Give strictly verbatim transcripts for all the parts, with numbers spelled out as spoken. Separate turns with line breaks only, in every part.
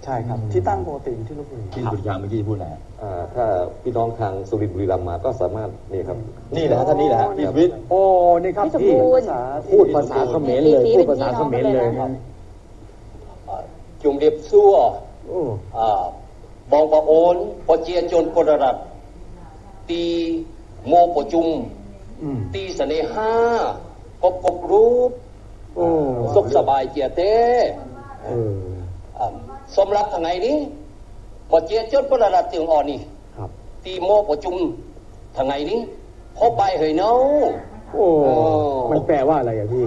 ช่ครับที่ตั้งปกติที่ลพบุรี
ที่สุริยาเมื่อกี้พูดอะไร
ถ้าพี่น้องทางสุรินทร์บุรีรัมย์มาก็สามารถนี่ครับ
นี่แหละท่านนี่แหละพี่วิทย์
โอ้นี่ครับ
พี่
พูดภาษาเขมรเลยพูดภาษาเขมรเลยครับ
จุ่มเรียบซัวบองปะโอนปเจียจนปรรัตตีโมปจุมตีเสน่หากบกบรูปสุขสบายเจียเต้สมรักทางไงนี้ปเจียจนปรรัตตีอ่อนนี่ตีโมปจุมทางไงนี้พบใบเหยเนา
โอ้มันแปลว่าอะไรอ่ะพี่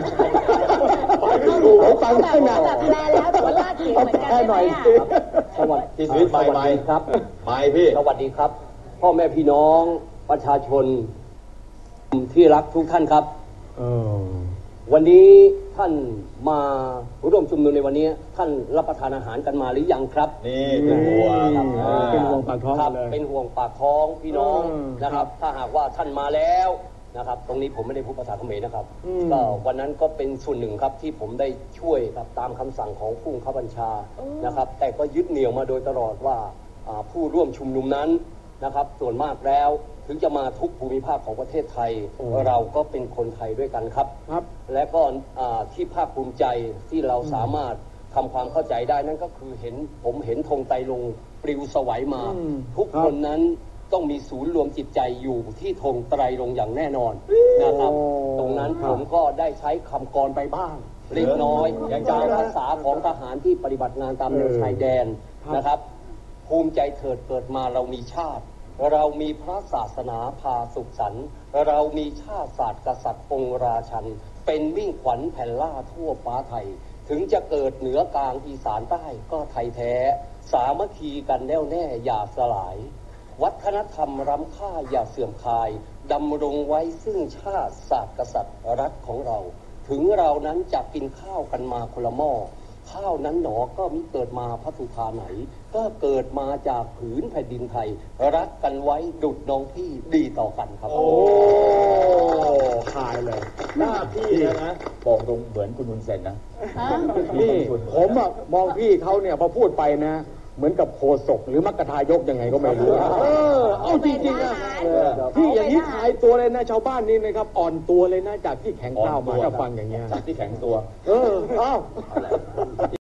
ผมฟังได้นะ
แบบแปลแล้วแต่ว่าลาดเสียงเหมือนกันใช่ไหม
สวัสดี
พี่วิทย์ไป
ครับ
ไปพี่
สวัสดีครับพ่อแม่พี่น้องประชาชนที่รักทุกท่านครับวันนี้ท่านมาร่วมชุมนุมในวันนี้ท่านรับประทานอาหารกันมาหรือยังครับ
นี่เป็นห่วง
เป็นห่วงปากท้อง
เลยเป็นห่วงปากท้องพี่น้องนะครับถ้าหากว่าท่านมาแล้วนะครับตรงนี้ผมไม่ได้พูดภาษาเขมรนะครับก็วันนั้นก็เป็นส่วนหนึ่งครับที่ผมได้ช่วยครับตามคำสั่งของผู้บังคับบัญชานะครับแต่ก็ยึดเหนี่ยวมาโดยตลอดว่าผู้ร่วมชุมนุมนั้นนะครับส่วนมากแล้วถึงจะมาทุกภูมิภาคของประเทศไทยเราก็เป็นคนไทยด้วยกันครับและก็ที่ภาคภูมิใจที่เราสามารถทำความเข้าใจได้นั่นก็คือเห็นผมเห็นธงไตรรงค์ปลิวสวัยมาทุกคนนั้นต้องมีศูนย์รวมจิตใจอยู่ที่ธงไตรรงค์อย่างแน่นอนนะครับตรงนั้นผมก็ได้ใช้คำกรไปบ้างเล็กน้อยจากภาษาของทหารที่ปฏิบัติงานตามแนวชายแดนนะครับภูมิใจเถิดเกิดมาเรามีชาติเรามีพระศาสนาพาสุขสันต์เรามีชาติศาสตร์กษัตริย์องค์ราชันเป็นมิ่งขวัญแผ่นล่าทั่วฟ้าไทยถึงจะเกิดเหนือกลางอีสานใต้ก็ไทยแท้สามัคคีกันแน่วแน่อย่าสลายวัฒนธรรมล้ำค่าอย่าเสื่อมคลายดำรงไว้ซึ่งชาติศาสตร์กษัตริย์รัฐของเราถึงเรานั้นจะกินข้าวกันมาคนละหม้อข้าวนั้นหนอก็มิเกิดมาพัทุธาไหนก็เกิดมาจากผืนแผ่นดินไทยรักกันไว้ดุจน้องพี่ดีต่อกันครับโอ้
ขายเลย
หน้าพี่นะบอกตรงเหมือนคุณนุนเซนนะ
นี่ผมอะมองพี่เขาเนี่ยพอพูดไปนะเหมือนกับโคศกหรือมัคคทายกยังไงก็ไม่รู้เออเอาจริงๆนะพี่อย่างนี้ขายตัวเลยนะชาวบ้านนี่นะครับอ่อนตัวเลยนะจากที่แข็งก้าวมาก็ฟังอย่างเงี้ย
จากที่แข็งตัว
เออเอ้า